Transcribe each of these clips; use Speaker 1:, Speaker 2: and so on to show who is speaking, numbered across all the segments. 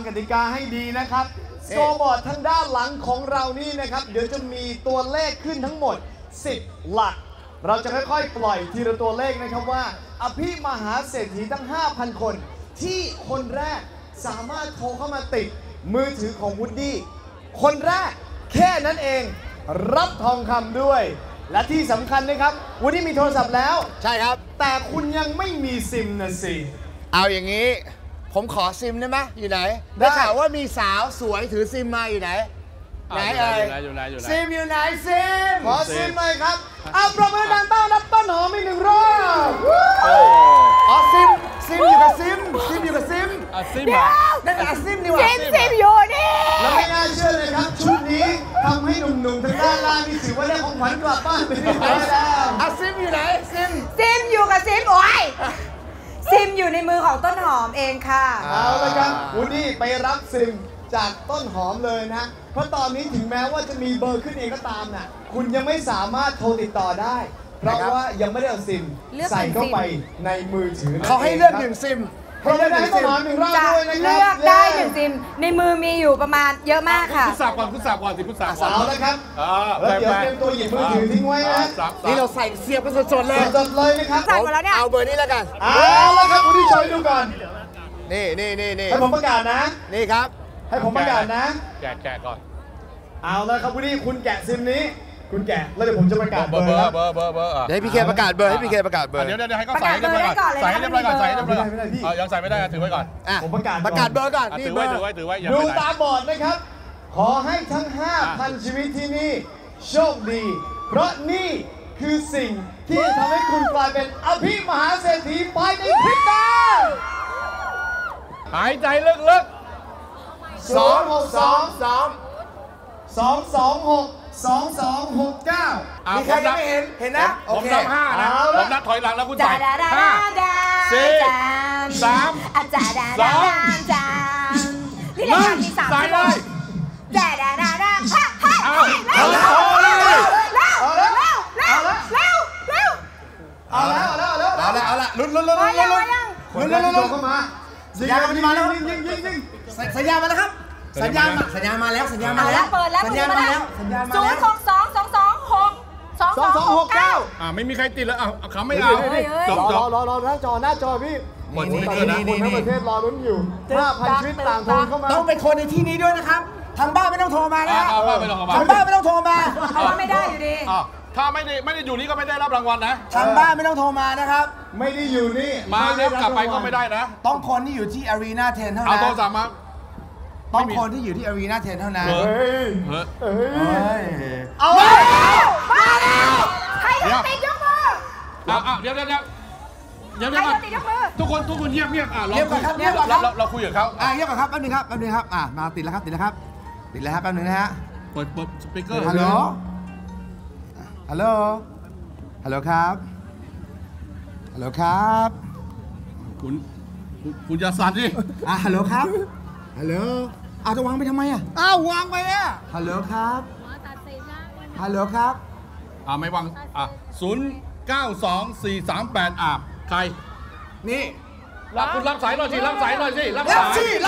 Speaker 1: กติกาให้ดีนะครับสโกบอร์ดทางด้านหลังของเรานี่นะครับเดี๋ยวจะมีตัวเลขขึ้นทั้งหมด10หลักเราจะค่อยๆปล่อยทีละตัวเลขนะครับว่าอภิมหาเศรษฐีทั้ง 5,000 คนที่คนแรกสามารถโทรเข้ามาติดมือถือของวูดดี้คนแรกแค่นั้นเองรับทองคำด้วยและที่สำคัญนะครับวูดดี้มีโทรศัพท์แล้ว
Speaker 2: ใช่ครับ
Speaker 1: แต่คุณยังไม่มีซิมนะสิ
Speaker 2: เอาอย่างนี้ผมขอซิมได้ไหมอยู่ไหนได้ข่าวว่ามีสาวสวยถือซิมมาอยู่ไหนไหนเอ่ยซิมอยู่ไหนซิม
Speaker 1: ขอซิมเลยครับเอาประมือดังต้อนรับต้นหอมอีก1 รอบ
Speaker 2: อ๋อซิมอยู่กับซิมอยู่กับซิม
Speaker 3: ซิม
Speaker 2: นั่นไงซิมนี่วะ
Speaker 4: ซิมอยู่นี่
Speaker 1: แล้วไม่น่าเชื่อเลยครับชุดนี้ทำให้หนุ่มๆทางด้านล่างนี่ถือว่าได้ของขวัญกลับบ้านไปเรียบร้อยแล้ว
Speaker 2: ซิมอยู่ไหน
Speaker 4: ซิมอยู่กับซิมโอ้ยซิมอยู่ในมือของต้นหอมเองค่ะ
Speaker 1: เอาเลยครับวูดดี้ไปรับซิมจากต้นหอมเลยนะเพราะตอนนี้ถึงแม้ว่าจะมีเบอร์ขึ้นเองก็ตามน่ะคุณยังไม่สามารถโทรติดต่อได้เพราะว่ายังไม่ได้เอาซิมใส่เข้าไปในมือถือ
Speaker 2: เขาให้เลือก1 ซิม
Speaker 1: เขาเลือกได้ต้นหอม1 รอบด้วยนะครับ
Speaker 4: เลือกได้1 ซิมในมือมีอยู่ประมาณเยอะมากค่ะ
Speaker 3: คุณสับก่อนสิคุณสับ
Speaker 1: เอาแล้วครับแล้วเดี๋ยวเตรียมตัวหยิบมือถือทิ้งไว้นะ
Speaker 2: นี่เราใส่เสียบกันสดๆเลย
Speaker 1: นะครับ
Speaker 2: เอาเบอร์นี้แล้วกัน
Speaker 1: เอาแล้วครับวูดดี้ช่วยดูก่อน
Speaker 2: นี่
Speaker 1: ให้ผมประกาศนะ
Speaker 2: นี่ครับ
Speaker 1: ให้ผมประกาศนะ
Speaker 3: แกะก่อน
Speaker 1: เอาแล้วครับวูดดี้คุณแกะซิมนี้คุณแกะแล้วเดี๋ยวผมจะประกาศเบอร์
Speaker 2: ให้พี่เคประกาศเบอร์ให้
Speaker 3: ให้เขาใส่ให้เรียบร้อยก่อนใส่ให้เรียบร้อยก่อนยังใส่ไม่ได้ถือไว้ก่อน
Speaker 1: ผมประกาศ
Speaker 2: เบอร์ก่อน
Speaker 3: ถือไว้
Speaker 1: ดูตาบอดนะครับขอให้ทั้ง 5,000 ชีวิตที่นี่โชคดีเพราะนี่คือสิ่งที่ทำให้คุณกลายเป็นอภิมหาเศรษฐีภายในพริบตา
Speaker 3: หายใจลึกๆ
Speaker 1: 2622269
Speaker 2: มีใครยังไม่เห็นนะ
Speaker 3: ผมนับ5นะผมนับถอยหลังแล้วคุณใส่5 4 3
Speaker 4: 2นี่รายการมี3
Speaker 3: ใส่เลย
Speaker 1: เอาละลุ้นเข้ามาสัญญาณมาแล้วยิง
Speaker 2: สัญญาณมาแล้วครับสัญญาณมาแล้ว
Speaker 4: เปิดแล้ว062226269
Speaker 3: ไม่มีใครติดแล้วเขาไม่เอา
Speaker 1: รอหน้าจอพี่คนทั้งประเทศรอลุ้นอยู่ 5,000 ชีวิตต่างโทรเข้ามา
Speaker 2: ต้องเป็นคนในที่นี้ด้วยนะครับทางบ้านไม่ต้องโทรมานะทางบ้านไม่ต้องโทรมา
Speaker 4: เพราะว่าไม่ได้อยู่ดี
Speaker 3: ถ้าไม่ได้อยู่นี่ก็ไม่ได้รับรางวัลนะ
Speaker 2: ทางบ้านไม่ต้องโทรมานะครับ
Speaker 1: ไม่ได้อยู่นี่
Speaker 3: มาแล้วกลับไปก็ไม่ได้นะ
Speaker 2: ต้องคนที่อยู่ที่ Arena 10 เท่านั้น
Speaker 3: เอาโทรศัพท์มา
Speaker 2: ต้องคนที่อยู่ที่ Arena 10 เท่านั้น
Speaker 1: เอา
Speaker 4: มาแล้วใครจะติดยกมือ
Speaker 3: เดี๋ยวทุกคนเงียบเราคุยกับเขา
Speaker 2: เงียบก่อนครับแป๊บนึงครับมาติดแล้วครับแป๊บนึงนะฮะ
Speaker 3: เปิดสปีกเกอร์
Speaker 2: ฮัลโหลครับ
Speaker 3: คุณอย่าสั่นดิ
Speaker 2: ฮัลโหลครับจะวางไปทำไมวางไปฮัลโหลครับ
Speaker 3: ไม่วาง092438ใคร
Speaker 2: นี่
Speaker 3: คุณรับสายหน่อยสิรับสาย
Speaker 2: ไม่รับ
Speaker 4: รับ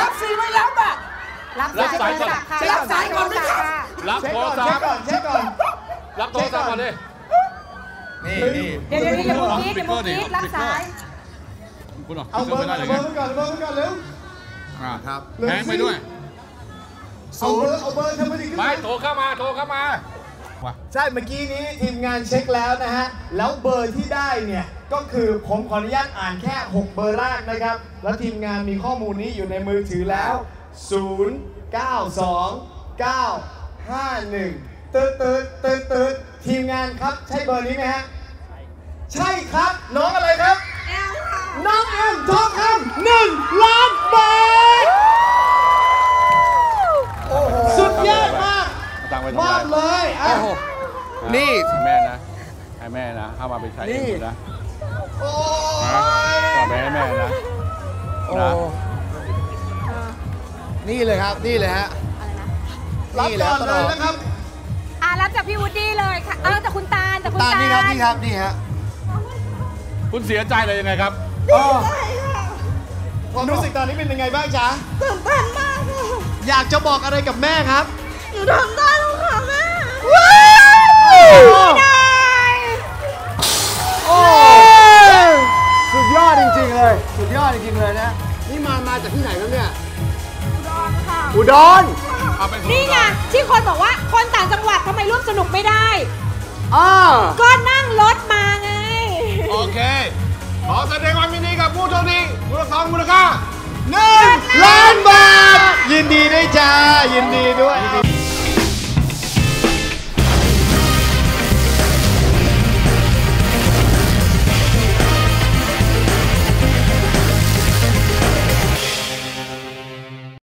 Speaker 4: สายก่อนไหมครับ
Speaker 3: รับโทรศัพท์
Speaker 1: เช็คก่อน
Speaker 3: รับโทรศัพท์ก่อนดิ
Speaker 4: นี่เดี๋ยวอย่าพูดคิดรับสาย
Speaker 3: คุณ
Speaker 1: เอาเบอร์ก่อนเร็ว
Speaker 2: ครับ
Speaker 3: แพงไปด้วย
Speaker 1: เอาเบอร์ทำไมถึง
Speaker 3: ไม่โทรเข้ามา
Speaker 1: ใช่เมื่อกี้นี้ทีมงานเช็คแล้วนะฮะแล้วเบอร์ที่ได้เนี่ยก็คือผมขออนุญาตอ่านแค่6เบอร์แรกนะครับแล้วทีมงานมีข้อมูลนี้อยู่ในมือถือแล้ว092951ตืดทีมงานครับใช่เบอร์นี้ไหมฮะใช่ครับน้องอะไรครับน้องเอ็มทองคำ1 ล้านบาทสุดยอดมากเลย
Speaker 3: นี่แม่นะให้แม่นะเข้ามาเป็นชายเองนะต่อไปให้แม่นะ
Speaker 2: นี่เลยครับนี่เลยฮะ
Speaker 1: รับก่อนเลยนะครับ
Speaker 4: รับจากพี่วูดดี้เลยค่ะจากคุณตาล
Speaker 2: นี่ครับ
Speaker 3: คุณเสียใจเลยยังไงครับ
Speaker 1: ความรู้สึกตอนนี้เป็นยังไงบ้างจ๊ะ
Speaker 4: ตื่นเต้นมากเล
Speaker 1: อยากจะบอกอะไรกับแม่ครับ
Speaker 4: หนูทำได้แล้วค่ะแม่
Speaker 2: โอ้สุดยอดจริงๆเลย สุดยอดจริงๆเลยนะ นี่มาจากที่ไหนครับเนี่ย
Speaker 4: อุดรค่ะ
Speaker 2: อุดร
Speaker 4: นี่ไงที่คนบอกว่าคนต่างจังหวัดทำไมร่วมสนุกไม่ได้
Speaker 2: อ่า
Speaker 4: ก็นั่งรถมาไง
Speaker 3: โอเค ขอแสดงความยินดีกับผู้โชคดีมูลค่า
Speaker 2: 1 ล้านบาท